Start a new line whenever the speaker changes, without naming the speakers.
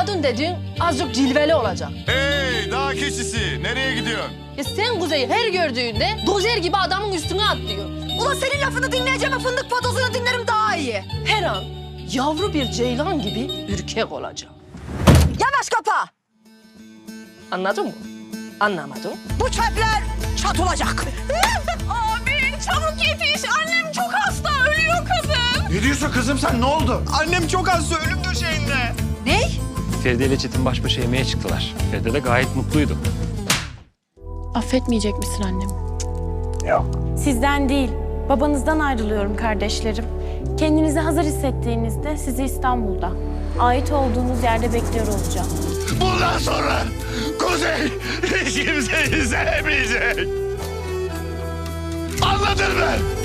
kadın dediğin azıcık cilveli olacak.
Hey dağ keçisi, nereye gidiyorsun?
Sen Kuzey'i her gördüğünde dozer gibi adamın üstüne atlıyor.
Ulan senin lafını dinleyeceğim, fındık patozunu dinlerim daha iyi.
Her an yavru bir ceylan gibi ürkek olacak.
Yavaş kapa.
Anladın mı? Anlamadım.
Bu çöpler çatılacak.
Abi çabuk yetiş. Annem çok hasta. Ölüyor kadın.
Ne diyorsun kızım sen, ne oldu?
Annem çok hasta, ölüm döşeğinde.
Ne?
Feride ile Çetin baş başa yemeğe çıktılar. Feride de gayet mutluydu.
Affetmeyecek misin annemi?
Sizden değil, babanızdan ayrılıyorum kardeşlerim. Kendinizi hazır hissettiğinizde sizi İstanbul'da, ait olduğunuz yerde bekliyor olacağım.
Bundan sonra Kuzey hiç kimseyi sevmeyecek. Anladın mı?